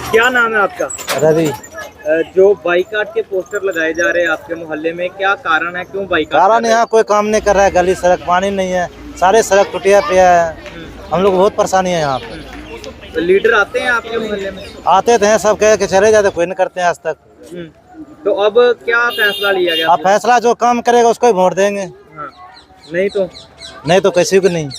क्या नाम है आपका? रवि। जो बाइकाट के पोस्टर लगाए जा रहे हैं आपके मोहल्ले में, क्या कारण है, क्यों बाइकाट? कारण यहाँ कोई काम नहीं कर रहा है, गली सड़क पानी नहीं है, सारे सड़क टूटिया पिया है, हम लोग बहुत परेशानी है यहाँ पे। तो लीडर आते हैं आपके मोहल्ले में? आते थे सब कह के चले जाते, कोई नहीं करते हैं आज तक। तो अब क्या फैसला लिया गया? अब फैसला जो काम करेगा उसको ही वोट देंगे। हाँ, नहीं तो किसी को नहीं।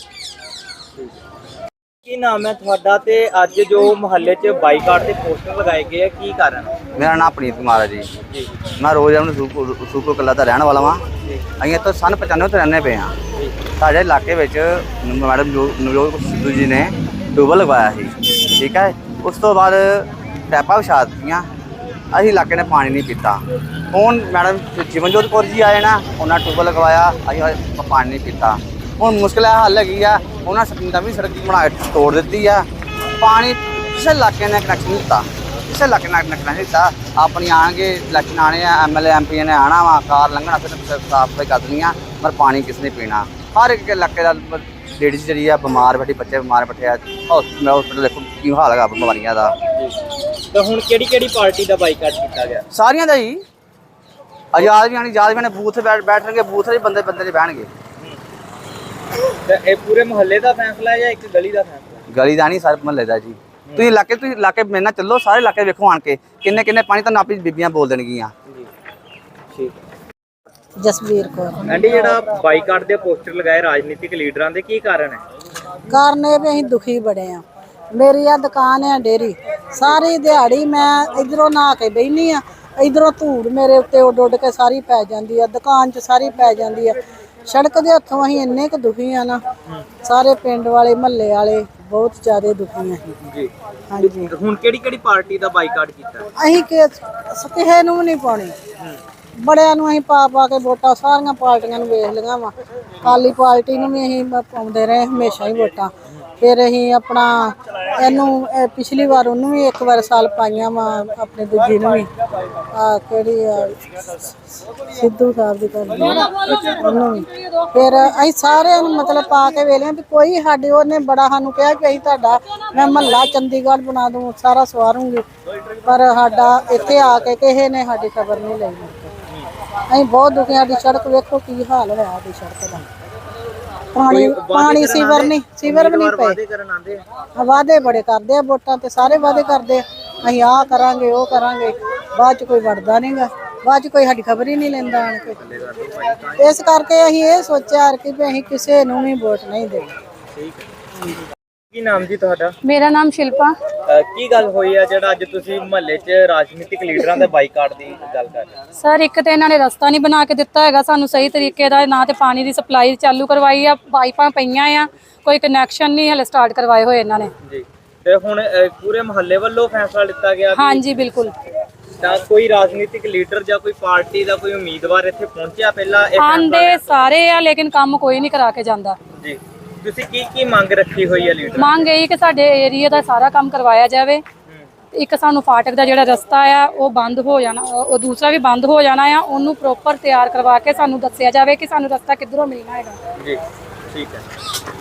ਕੀ ਨਾਮ ਹੈ ਤੁਹਾਡਾ ਤੇ ਅੱਜ ਜੋ ਮੁਹੱਲੇ 'ਚ ਬਾਈਕਾਟ ਦੇ ਪੋਸਟਰ ਲਗਾਏ ਗਏ ਆ, ਕੀ ਕਾਰਨ ਹੈ? ਮੇਰਾ ਨਾਮ ਪ੍ਰੀਤ ਕੁਮਾਰ ਹੈ ਜੀ। ਮੈਂ ਰੋਜ਼ ਆਪਣੀ ਸੂਪਰ ਕਲਾ ਦਾ ਰਹਿਣ ਵਾਲਾ ਵਾਂ। ਅਸੀਂ ਇੱਥੋਂ ਸਨ 95 ਤੋਂ ਰਹਿੰਦੇ ਪਏ ਹਾਂ। ਸਾਡੇ ਇਲਾਕੇ ਵਿੱਚ ਮੈਡਮ ਨਵਜੋਤ ਸਿੱਧੂ ਜੀ ਨੇ ਟਿਊਬਵੈੱਲ ਲਗਵਾਇਆ ਸੀ, ਠੀਕ ਹੈ। ਉਸ ਤੋਂ ਬਾਅਦ ਟੈਪਾਂ ਵਿਛਾ ਦਿੱਤੀਆਂ, ਅਸੀਂ ਇਲਾਕੇ ਨੇ ਪਾਣੀ ਨਹੀਂ ਪੀਤਾ। ਹੁਣ ਮੈਡਮ ਜੀਵਨਜੋਤ ਕੌਰ ਜੀ ਆਏ ਨਾ, ਉਹਨਾਂ ਟਿਊਬਵੈੱਲ ਲਗਵਾਇਆ, ਅਸੀਂ ਪਾਣੀ ਨਹੀਂ ਪੀਤਾ। ਹੁਣ ਮੁਸ਼ਕਿਲ ਹੱਲ ਹੈਗੀ ਆ, ਉਹਨਾਂ ਨਵੀਂ ਸੜਕ ਬਣਾ ਕੇ ਤੋੜ ਦਿੱਤੀ ਆ। ਪਾਣੀ ਕਿਸੇ ਇਲਾਕੇ ਨੇ ਕਨੈਕਸ਼ਨ ਨਹੀਂ ਦਿੱਤਾ, ਕਿਸੇ ਇਲਾਕੇ ਨਾਲ ਕਨੈਕਸ਼ਨ ਨਹੀਂ ਦਿੱਤਾ। ਆਪਣੀ ਆਣਗੇ ਇਲੈਕਸ਼ਨ ਆਣੇ ਆ, ਐਮਐਲਏ ਐਮਪੀ ਨੇ ਆਣਾ ਵਾ, ਕਾਰ ਲੰਘਣਾ, ਫਿਰ ਸਾਫ ਸਫਾਈ ਕਰ ਦੇਣੀ ਆ, ਪਰ ਪਾਣੀ ਕਿਸ ਨੇ ਪੀਣਾ। ਹਰ ਇੱਕ ਇਲਾਕੇ ਦਾ ਲੇਡੀਜ਼ ਜਿਹੜੀ ਆ ਬਿਮਾਰ ਬੈਠੀ, ਬੱਚੇ ਬਿਮਾਰ ਬੈਠੇ ਆ। ਹਸਪੀਟਲ ਦੇਖੋ ਕੀ ਹਾਲ ਹੈਗਾ ਬਿਮਾਰੀਆਂ ਦਾ। ਤਾਂ ਹੁਣ ਕਿਹੜੀ ਪਾਰਟੀ ਦਾ ਬਾਈਕਾਟ ਕੀਤਾ ਗਿਆ? ਸਾਰੀਆਂ ਦਾ ਹੀ। ਆਜ਼ਾਦ ਵੀ ਆਣੀ, ਆਜ਼ਾਦ ਵੀ ਨੇ ਬੂਥ ਬੈਠਣਗੇ, ਬੂਥ ਦੇ ਬੰਦੇ ਦੇ ਬਹਿਣਗੇ। ਇਹ ਪੂਰੇ ਮੁਹੱਲੇ ਦਾ ਫੈਸਲਾ ਹੈ ਜਾਂ ਇੱਕ ਗਲੀ ਦਾ ਫੈਸਲਾ? ਗਲੀ ਦਾ ਨਹੀਂ, ਸਾਰੇ ਮੁਹੱਲੇ ਦਾ ਜੀ। ਤੁਸੀਂ ਇਲਾਕੇ ਮੇਰੇ ਨਾਲ ਚੱਲੋ, ਸਾਰੇ ਇਲਾਕੇ ਵੇਖੋ ਆਣ ਕੇ ਕਿੰਨੇ ਪਾਣੀ ਤਾਂ ਆਪਣੀ ਬੀਬੀਆਂ ਬੋਲ ਦੇਣਗੀਆਂ। ਠੀਕ। ਜਸਵੀਰ ਕੌਰ। ਆਂਟੀ, ਜਿਹੜਾ ਬਾਈਕਾਟ ਦੇ ਪੋਸਟਰ ਲਗਾਏ ਰਾਜਨੀਤਿਕ ਲੀਡਰਾਂ ਦੇ, ਕੀ ਕਾਰਨ ਹੈ? ਕਾਰਨ ਇਹ ਵੀ ਅਸੀਂ ਦੁਖੀ ਬੜੇ ਆ। ਮੇਰੀ ਆ ਦੁਕਾਨ ਆ ਡੇਰੀ, ਸਾਰੀ ਦਿਹਾੜੀ ਮੈਂ ਇਧਰੋਂ ਨਹਾ ਕੇ ਬਹਿਨੀ ਆ, ਇਧਰੋਂ ਧੂੜ ਮੇਰੇ ਉੱਤੇ ਉੱਡ ਕੇ ਸਾਰੀ ਪੈ ਜਾਂਦੀ ਆ, ਦੁਕਾਨ 'ਚ ਸਾਰੀ ਪੈ ਜਾਂਦੀ ਆ। ਸੜਕ ਦੇ ਹੱਥੋਂ ਅਸੀਂ ਇੰਨੇ ਕੁ ਦੁਖੀ ਆ ਨਾ, ਸਾਰੇ ਪਿੰਡ ਵਾਲੇ ਮਹੱਲੇ ਵਾਲੇ ਬਹੁਤ ਜ਼ਿਆਦਾ ਦੁਖੀ ਆ ਜੀ। ਹਾਂਜੀ। ਹੁਣ ਕਿਹੜੀ ਪਾਰਟੀ ਦਾ ਬਾਈਕਾਟ ਕੀਤਾ? ਅਸੀਂ ਕਿਸੇ ਨੂੰ ਵੀ ਨਹੀਂ ਪਾਉਣੀ, ਬੜਿਆਂ ਨੂੰ ਅਸੀਂ ਪਾ ਕੇ ਵੋਟਾਂ ਸਾਰੀਆਂ ਪਾਰਟੀਆਂ ਨੂੰ ਵੇਖ ਲਈਆਂ ਵਾ। ਅਕਾਲੀ ਪਾਰਟੀ ਨੂੰ ਵੀ ਅਸੀਂ ਪਾਉਂਦੇ ਰਹੇ ਹਮੇਸ਼ਾ ਹੀ ਵੋਟਾਂ। ਫਿਰ ਅਸੀਂ ਆਪਣਾ ਇਹਨੂੰ ਪਿਛਲੀ ਵਾਰ ਉਹਨੂੰ ਵੀ ਇੱਕ ਵਾਰ ਸਾਲ ਪਾਈਆਂ ਵਾ, ਆਪਣੇ ਦੂਜੀ ਨੂੰ ਵੀ ਕਿਹੜੀ ਸਿੱਧੂ ਸਾਹਿਬ ਦੀ ਕਰਦੀ ਉਹਨੂੰ ਵੀ। ਫਿਰ ਅਸੀਂ ਸਾਰਿਆਂ ਨੂੰ ਮਤਲਬ ਪਾ ਕੇ ਵੇਖ ਲਿਆ ਵੀ ਕੋਈ ਸਾਡੇ, ਉਹਨੇ ਬੜਾ ਸਾਨੂੰ ਕਿਹਾ ਕਿ ਅਸੀਂ ਤੁਹਾਡਾ ਮੈਂ ਮਹੱਲਾ ਚੰਡੀਗੜ੍ਹ ਬਣਾ ਦੂੰ, ਸਾਰਾ ਸਵਾਰੂੰਗੀ, ਪਰ ਸਾਡਾ ਇੱਥੇ ਆ ਕੇ ਕਿਸੇ ਨੇ ਸਾਡੀ ਖਬਰ ਨਹੀਂ ਲਈ। ਅਸੀਂ ਬਹੁਤ ਦੁਖੀ, ਸਾਡੀ ਸੜਕ ਵੇਖੋ ਕੀ ਹਾਲ ਹੋਇਆ ਸਾਡੀ ਸੜਕ ਦਾ। ਪਾਣੀ ਸੀਵਰ ਵੀ ਨਹੀਂ ਪਏ। ਵਾਅਦੇ ਬੜੇ ਕਰਦੇ ਆ, ਵੋਟਾਂ ਤੇ ਸਾਰੇ ਵਾਅਦੇ ਕਰਦੇ ਆ, ਅਸੀਂ ਆਹ ਕਰਾਂਗੇ ਉਹ ਕਰਾਂਗੇ, ਬਾਅਦ ਚ ਕੋਈ ਵੜਦਾ ਨਹੀਂਗਾ, ਬਾਅਦ ਚ ਕੋਈ ਸਾਡੀ ਖਬਰ ਹੀ ਨਹੀਂ ਲੈਂਦਾ ਆਣ ਕੇ। ਇਸ ਕਰਕੇ ਅਸੀਂ ਇਹ ਸੋਚਿਆ ਕਿ ਅਸੀਂ ਕਿਸੇ ਨੂੰ ਵੀ ਵੋਟ ਨਹੀਂ ਦੇਣੀ। ਕੀ ਨਾਮ ਜੀ ਤੁਹਾਡਾ? ਮੇਰਾ ਨਾਮ ਸ਼ਿਲਪਾ। ਕੀ ਗੱਲ ਹੋਈ ਆ ਜਿਹੜਾ ਅੱਜ ਤੁਸੀਂ ਮੁਹੱਲੇ 'ਚ ਰਾਜਨੀਤਿਕ ਲੀਡਰਾਂ ਦੇ ਬਾਈਕਾਟ ਦੀ ਗੱਲ ਕਰ ਰਹੇ? ਸਰ, ਇੱਕ ਤੇ ਇਹਨਾਂ ਨੇ ਰਸਤਾ ਨਹੀਂ ਬਣਾ ਕੇ ਦਿੱਤਾ ਹੈਗਾ ਸਾਨੂੰ ਸਹੀ ਤਰੀਕੇ ਦਾ, ਨਾ ਤੇ ਪਾਣੀ ਦੀ ਸਪਲਾਈ ਚਾਲੂ ਕਰਵਾਈ ਆ, ਪਾਈਪਾਂ ਪਈਆਂ ਆ, ਕੋਈ ਕਨੈਕਸ਼ਨ ਨਹੀਂ ਹਲੇ ਸਟਾਰਟ ਕਰਵਾਏ ਹੋਏ ਇਹਨਾਂ ਨੇ ਜੀ। ਤੇ ਹੁਣ ਪੂਰੇ ਮੁਹੱਲੇ ਵੱਲੋਂ ਫੈਸਲਾ ਲਿੱਤਾ ਗਿਆ? ਹਾਂਜੀ ਬਿਲਕੁਲ। ਤਾਂ ਕੋਈ ਰਾਜਨੀਤਿਕ ਲੀਡਰ ਜਾਂ ਕੋਈ ਪਾਰਟੀ ਦਾ ਕੋਈ ਉਮੀਦਵਾਰ ਇੱਥੇ ਪਹੁੰਚਿਆ ਪਹਿਲਾਂ? ਆਂਦੇ ਸਾਰੇ ਆ, ਲੇਕਿਨ ਕੰਮ ਕੋਈ ਨਹੀਂ ਕਰਾ ਕੇ ਜਾਂਦਾ ਜੀ। ਤੁਸੀਂ ਕੀ ਮੰਗ ਰੱਖੀ ਹੋਈ ਹੈ ਲੀਡਰ? ਮੰਗ ਇਹ ਕਿ ਸਾਡੇ ਏਰੀਆ ਦਾ ਸਾਰਾ ਕੰਮ ਕਰਵਾਇਆ ਜਾਵੇ। ਇੱਕ ਸਾਨੂੰ ਫਾਟਕ ਦਾ ਜਿਹੜਾ ਰਸਤਾ ਆ ਉਹ ਬੰਦ ਹੋ ਜਾਣਾ, ਉਹ ਦੂਸਰਾ ਵੀ ਬੰਦ ਹੋ ਜਾਣਾ ਆ, ਉਹਨੂੰ ਪ੍ਰੋਪਰ ਤਿਆਰ ਕਰਵਾ ਕੇ ਸਾਨੂੰ ਦੱਸਿਆ ਜਾਵੇ ਕਿ ਸਾਨੂੰ ਰਸਤਾ ਕਿੱਧਰੋਂ ਮਿਲਣਾ ਹੈਗਾ। ਜੀ, ਠੀਕ ਹੈ।